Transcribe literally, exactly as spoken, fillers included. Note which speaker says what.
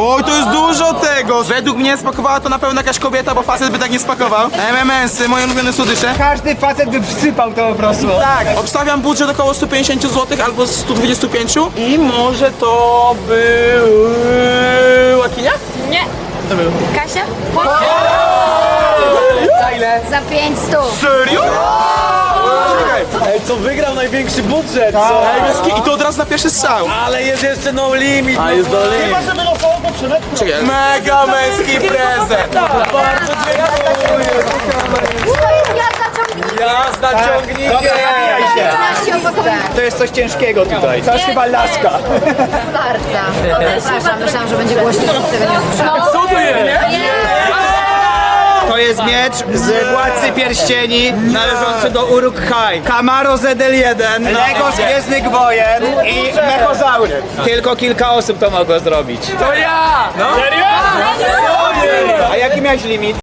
Speaker 1: Oj, to jest dużo tego. Według mnie spakowała to na pewno jakaś kobieta, bo facet by tak nie spakował. M M S-y, moje ulubione słodycze.
Speaker 2: Każdy facet by wsypał to po prostu.
Speaker 1: Tak, obstawiam budżet około sto pięćdziesiąt złotych albo sto dwadzieścia pięć. I może to był... Akinia?
Speaker 3: Nie.
Speaker 1: To był.
Speaker 3: Kasia?
Speaker 2: Za ile?
Speaker 3: Za pięć stów.
Speaker 1: Serio?
Speaker 4: Ej, co wygrał największy budżet, co?
Speaker 1: Ej, bez ki- I to od razu na pierwszy strzał.
Speaker 4: Ale jest jeszcze no limit. A jest no limit.
Speaker 1: Czekaj. Mega męski prezent.
Speaker 4: Bardzo dziękuję.
Speaker 3: To jest jazda ciągnika.
Speaker 4: Jazda ciągnikiem.
Speaker 2: Dobra, zabijaj się.
Speaker 3: piętnaście opakowań.
Speaker 2: To jest coś ciężkiego tutaj. To jest chyba laska.
Speaker 3: Starca. Przepraszam, myślałam, że będzie głośniej, tego nie usłyszałam.
Speaker 4: Co to jest?
Speaker 2: To jest miecz z Władcy Pierścieni należący do Uruk-hai. Camaro Z L jeden, Lego z Gwiezdnych Wojen i Mechozaury. Tylko kilka osób to mogło zrobić.
Speaker 4: To ja! No. Serio?
Speaker 2: A jaki miałeś limit?